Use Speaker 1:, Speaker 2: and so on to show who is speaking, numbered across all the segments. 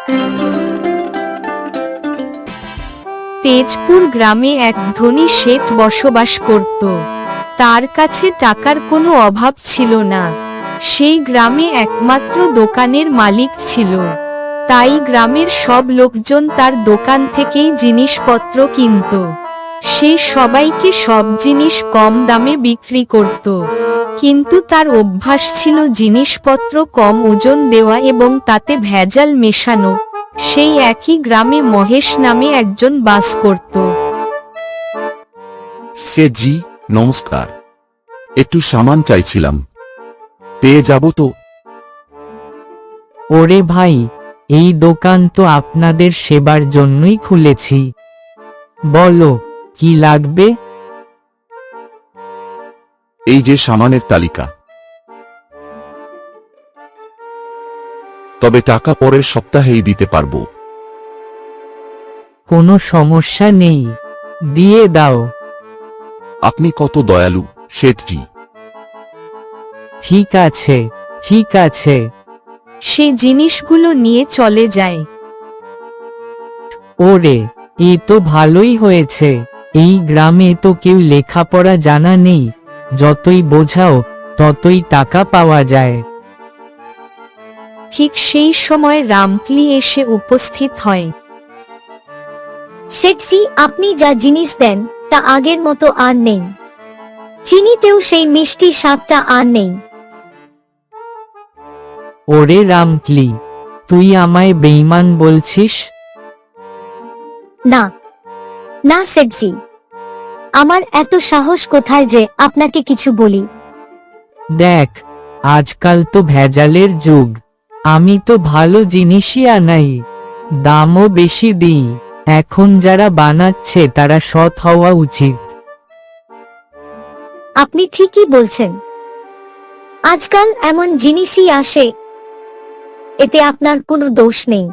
Speaker 1: তেজপুর গ্রামে এক ধনী শেঠ বসবাস করত। তার কাছে টাকার কোনো অভাব ছিল না। সেই গ্রামে একমাত্র দোকানের মালিক ছিল। তাই গ্রামের সব লোকজন তার দোকান থেকেই জিনিসপত্র কিনত। সে সবাইকে সব জিনিস কম দামে বিক্রি করত। কিন্তু তার অভ্যাস ছিল জিনিসপত্র কম ওজন দেওয়া এবং তাতে ভেজাল মেশানো। সেই একই গ্রামে মহেশ নামে একজন বাস করত।
Speaker 2: শেঠজি, নমস্কার। একটু সামান চাইছিলাম, পেয়ে যাব তো?
Speaker 3: ওরে ভাই, এই দোকান তো আপনাদের সেবার জন্যই খুলেছি। বলো, কি লাগবে?
Speaker 2: এই যে সামানের তালিকা। তবে টাকা পরের সপ্তাহেই দিতে পারবো।
Speaker 3: কোনো সমস্যা নেই, দিয়ে দাও।
Speaker 2: আপনি কত দয়ালু, শেঠজি।
Speaker 3: ঠিক আছে, ঠিক আছে।
Speaker 1: সে জিনিসগুলো নিয়ে চলে যায়।
Speaker 3: ওরে, এ তো ভালোই হয়েছে। এই গ্রামে তো কেউ লেখাপড়া জানা নেই, যতই বোঝাও ততই টাকা পাওয়া যায়।
Speaker 1: ঠিক সেই সময় রামকলি এসে উপস্থিত হয়।
Speaker 4: শেঠজি, আপনি যা জিনিস দেন তা আগের মতো আর নেই। চিনিতেও সেই মিষ্টি স্বাদটা আর নেই।
Speaker 3: ওরে রামকলি, তুই আমায় বেঈমান বলছিস?
Speaker 4: না না শেঠজি, আমার এত সাহস কোথায় যে আপনাকে কিছু বলি।
Speaker 3: দেখ, আজকাল তো ভেজালের যুগ। আমি তো ভালো জিনিসই আনাই, দামও বেশি দিই। এখন যারা বানাচ্ছে তারা সৎ হওয়া উচিত।
Speaker 4: আপনি ঠিকই বলছেন। আজকাল এমন জিনিসই আসে, এতে আপনার কোনো দোষ নেই।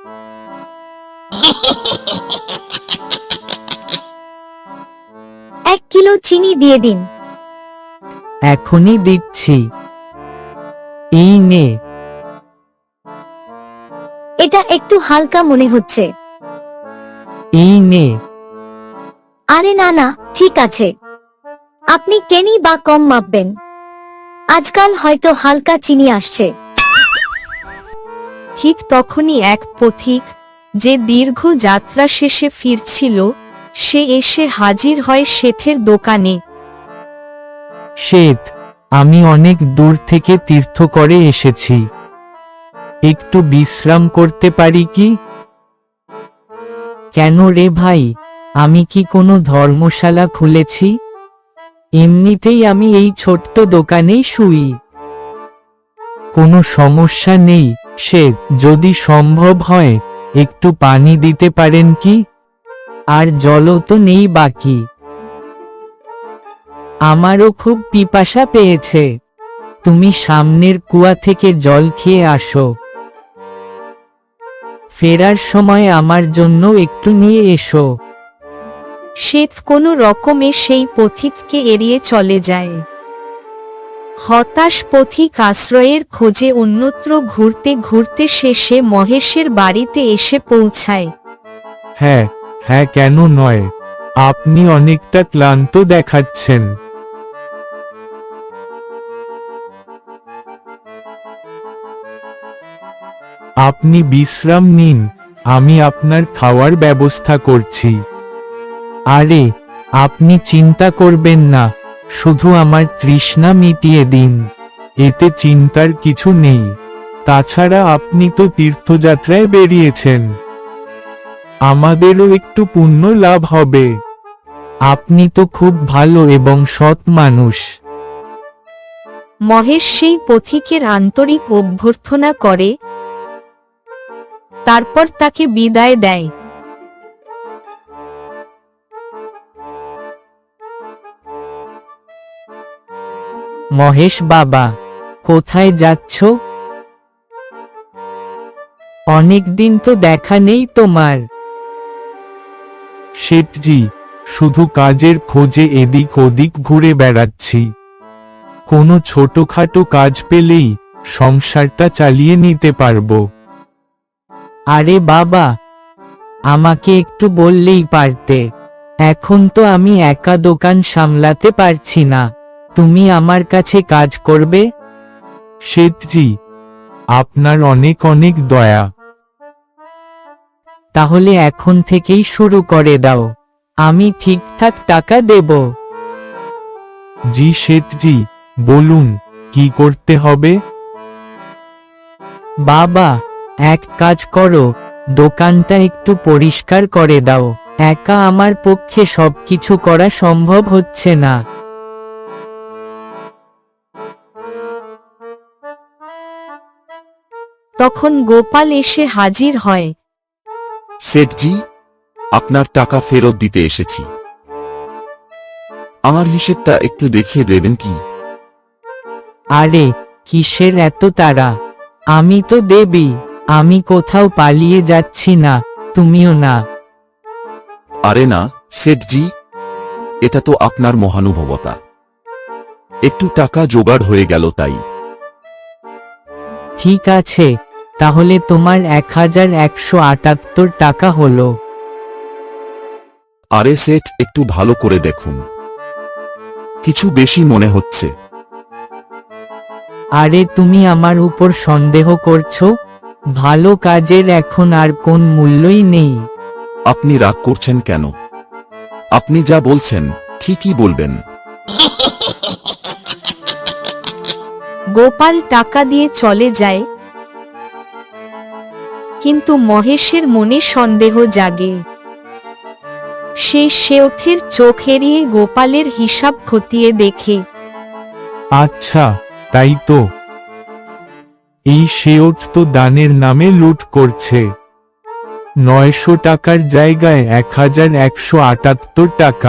Speaker 4: 1 কিলো চিনি দিয়ে দিন।
Speaker 3: এখনই দিচ্ছি। এই নে।
Speaker 4: এটা একটু হালকা মনে হচ্ছে।
Speaker 3: এই নে।
Speaker 4: আরে না না, ঠিক আছে। আপনি কেনি বা কম মাপবেন? আজকাল হয়তো হালকা চিনি আসছে।
Speaker 1: ঠিক তখনই এক পথিক, যে দীর্ঘ যাত্রা শেষে ফিরছিল, সে এসে হাজির হয় শেঠের দোকানে।
Speaker 3: শেঠ, আমি অনেক দূর থেকে তীর্থ করে এসেছি। একটু বিশ্রাম করতে পারি কি? কেন রে ভাই, আমি কি কোনো ধর্মশালা খুলেছি? এমনিতেই আমি এই ছোট্ট দোকানেই শুই। কোনো সমস্যা নেই শেঠ, যদি সম্ভব হয় একটু পানি দিতে পারেন কি? আর জলও তো নেই বাকি। আমারও খুব পিপাসা পেয়েছে। তুমি সামনের কুয়া থেকে জল খেয়ে আসো। ফেরার সময় আমার জন্য একটু নিয়ে এসো।
Speaker 1: শেঠ কোনো রকমে সেই পথিককে এড়িয়ে চলে যায়। হতাশ পথিক আশ্রয়ের খোঁজে অন্যত্র ঘুরতে ঘুরতে শেষে মহেশের বাড়িতে এসে পৌঁছায়।
Speaker 5: হ্যাঁ হ্যাঁ, কেন নয়। আপনি অনেকটা ক্লান্ত দেখাচ্ছেন। আপনি বিশ্রাম নিন, আমি আপনার খাওয়ার ব্যবস্থা করছি।
Speaker 3: আরে, আপনি চিন্তা করবেন না, শুধু আমার তৃষ্ণা মিটিয়ে দিন।
Speaker 5: এতে চিন্তার কিছু নেই। তাছাড়া আপনি তো তীর্থযাত্রায় বেরিয়েছেন, আমাদেরও একটু পুণ্য লাভ হবে।
Speaker 3: আপনি তো খুব ভালো এবং সৎ মানুষ।
Speaker 1: মহেশ সেই পথিকের আন্তরিক অভ্যর্থনা করে, তারপর তাকে বিদায় দেয়।
Speaker 3: মহেশ বাবা, কোথায় যাচ্ছ? অনেকদিন তো দেখা নেই তোমার।
Speaker 5: শেঠজি, শুধু কাজের খোঁজে এদিক ওদিক ঘুরে বেড়াচ্ছি। কোনো ছোটখাটো কাজ পেলেই সংসারটা চালিয়ে নিতে পারবো।
Speaker 3: আরে বাবা, আমাকে একটু বললেই পারতে। এখন তো আমি একা দোকান সামলাতে পারছি না, তুমি আমার কাছে কাজ করবে।
Speaker 5: শেঠজি, আপনার অনেক অনেক দয়া।
Speaker 3: তাহলে এখন থেকেই শুরু করে দাও, আমি ঠিকঠাক টাকা দেব।
Speaker 5: জি শেঠজি, বলুন কি করতে হবে।
Speaker 3: বাবা, এক কাজ করো, দোকানটা একটু পরিষ্কার করে দাও, একা আমার পক্ষে সবকিছু করা সম্ভব হচ্ছে না।
Speaker 1: তখন গোপাল এসে হাজির হয়।
Speaker 2: শেঠজি, আপনার টাকা ফেরত দিতে এসেছি। আমার হিসেবটা একটু দেখিয়ে দেবেন কি?
Speaker 3: আরে, কিসের এত তাড়া? আমি তো দেবী, আমি কোথাও পালিয়ে যাচ্ছি না, তুমিও না।
Speaker 2: আরে না শেঠজি, এটা তো আপনার মহানুভবতা। একটু টাকা জোগাড় হয়ে গেল তাই।
Speaker 3: ঠিক আছে, তাহলে তোমার 1178 টাকা হলো।
Speaker 2: আরে সেট, একটু ভালো করে দেখুন, কিছু বেশি মনে হচ্ছে।
Speaker 3: আরে তুমি আমার উপর সন্দেহ করছো? ভালো কাজের এখন আর কোন মূল্যই নেই।
Speaker 2: আপনি রাগ করছেন কেন? আপনি যা বলছেন ঠিকই বলবেন।
Speaker 1: গোপাল টাকা দিয়ে চলে যায়, কিন্তু মহেশের মনে সন্দেহ জাগে। সে শেঠের চোখ এড়িয়ে গোপালের হিসাব খতিয়ে দেখে।
Speaker 5: আচ্ছা, তাই তো। এই শেঠ তো দানের নামে লুট করছে। 900 টাকার জায়গায় 1178 টাকা।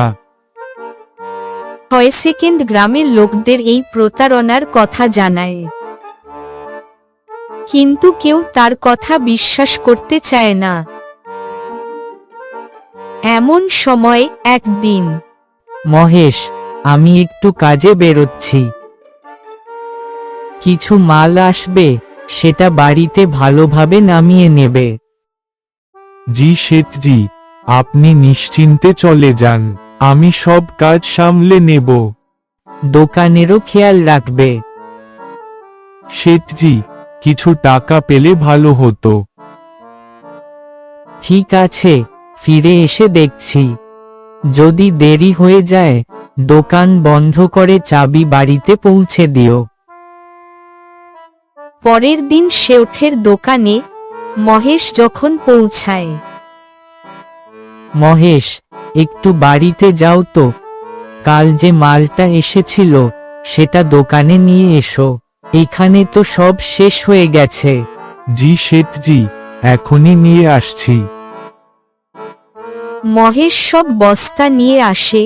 Speaker 1: 6 সেকেন্ড গ্রামের লোকদের এই প্রতারণার কথা জানায়, কিন্তু কেউ তার কথা বিশ্বাস করতে চায় না। এমন সময় একদিন
Speaker 3: মহেশ, আমি একটু কাজে বেরোচ্ছি, কিছু মাল আসবে, সেটা বাড়িতে ভালোভাবে নামিয়ে নেবে।
Speaker 5: জি শেঠজি, আপনি নিশ্চিন্তে চলে যান, আমি সব কাজ সামলে নেব।
Speaker 3: দোকানেরও খেয়াল রাখবে।
Speaker 5: শেঠজি, কিছু টাকা পেলে ভালো হতো।
Speaker 3: ঠিক আছে, ফিরে এসে দেখছি। যদি দেরি হয়ে যায়, দোকান বন্ধ করে চাবি বাড়িতে পৌঁছে দিও।
Speaker 1: পরের দিন শেঠের দোকানে মহেশ যখন পৌঁছায়।
Speaker 3: মহেশ, একটু বাড়িতে যাও তো, কাল যে মালটা এসেছিল সেটা দোকানে নিয়ে এসো, এখানে তো সব শেষ হয়ে গেছে।
Speaker 5: জি শেঠজি, এখনই নিয়ে আসছি।
Speaker 1: মহেশ সব বস্তা নিয়ে আসে,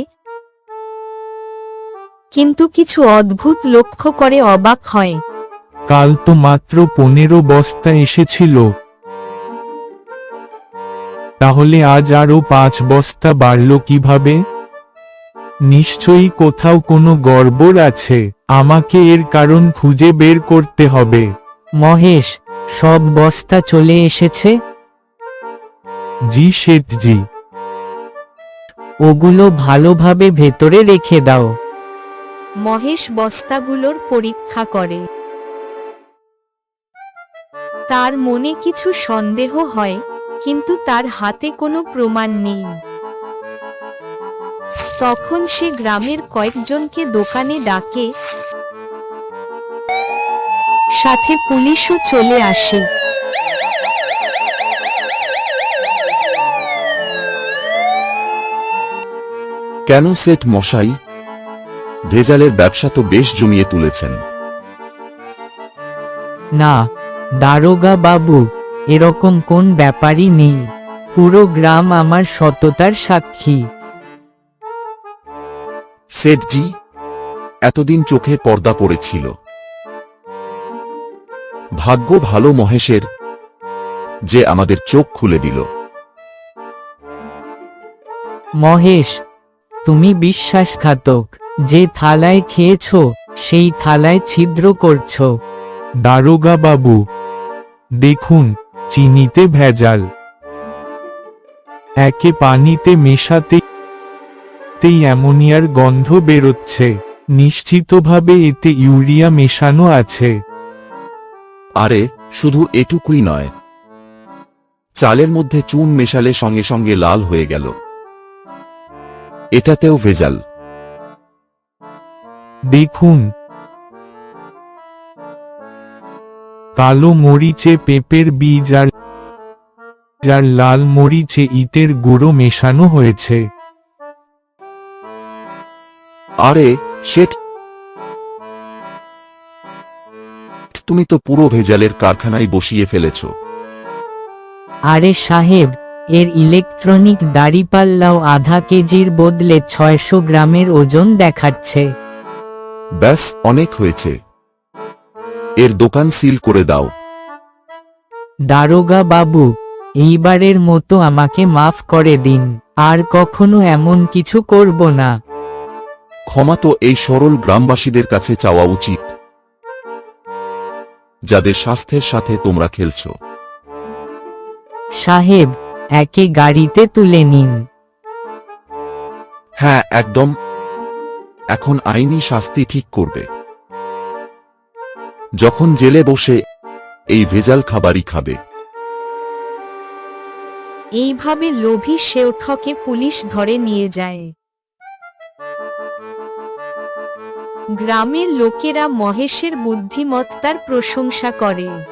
Speaker 1: কিন্তু কিছু অদ্ভুত লক্ষ্য করে অবাক হয়।
Speaker 5: কাল তো মাত্র 15 বস্তা এসেছিল, তাহলে আজ আরো 5 বস্তা বাড়ল কিভাবে? নিশ্চয়ই কোথাও কোনো গড়বড় আছে, আমাকে এর কারণ খুঁজে বের করতে হবে।
Speaker 3: মহেশ, সব বস্তা চলে এসেছে?
Speaker 5: জি শেঠজি।
Speaker 3: ওগুলো ভালোভাবে ভেতরে রেখে দাও।
Speaker 1: মহেশ বস্তাগুলোর পরীক্ষা করে। তার মনে কিছু সন্দেহ হয়, কিন্তু তার হাতে কোনো প্রমাণ নেই। তখন সে গ্রামের কয়েকজনকে দোকানে ডাকে, সাথে পুলিশও চলে আসে।
Speaker 2: কেন সেট মশাই? ভেজালের ব্যবসা তো বেশ জমিয়ে তুলেছেন।
Speaker 3: না, দারোগা বাবু, এরকম কোন ব্যাপারই নেই, পুরো গ্রাম আমার সততার সাক্ষী।
Speaker 2: সেটজি, এতদিন চোখে পর্দা পড়েছিল। ভাগ্য ভালো মহেশের, যে আমাদের চোখ খুলে দিল।
Speaker 3: মহেশ, তুমি বিশ্বাসঘাতক, যে থালায় খেয়েছো সেই থালায় ছিদ্র করছো।
Speaker 5: দারোগা বাবু, দেখুন, চিনিতে ভেজাল। একে পানিতে মেশাতেই অ্যামোনিয়ার গন্ধ বেরোচ্ছে। নিশ্চিতভাবে এতে ইউরিয়া মেশানো আছে।
Speaker 2: আরে শুধু এটুকুই নয়, চালের মধ্যে চুন মেশালে সঙ্গে সঙ্গে লাল হয়ে গেল। এটাতেও ভেজাল।
Speaker 5: দেখুন, কালো মরিচে পেঁপের বীজ আর লাল মরিচে ইটের গুঁড়ো মেশানো হয়েছে।
Speaker 2: আরে শেঠ, তুমি তো পুরো ভেজালের কারখানায় বসিয়ে ফেলেছ।
Speaker 3: আরে সাহেব, এর ইলেকট্রনিক দাড়িপাল্লাও আধা কেজির বদলে 600 গ্রামের ওজন দেখাচ্ছে।
Speaker 2: ব্যাস, অনেক হয়েছে। এর দোকান সিল করে দাও।
Speaker 3: দারোগা বাবু, এইবারের মতো আমাকে মাফ করে দিন। আর কখনো এমন কিছু করব না।
Speaker 2: ক্ষমা তো এই সরল গ্রামবাসীদের কাছে চাওয়া উচিত, যাদের স্বাস্থ্যের সাথে তোমরা খেলছো।
Speaker 3: সাহেব, একে গাড়িতে তুলে নিন।
Speaker 2: হ্যাঁ, একদম। এখন আইনি শাস্তি ঠিক করবে। যখন জেলে বসে এই ভেজাল খাবারই খাবে।
Speaker 1: এইভাবে লোভী শেওঠকে পুলিশ ধরে নিয়ে যায়। গ্রামের লোকেরা মহেশের বুদ্ধিমত্তার প্রশংসা করে।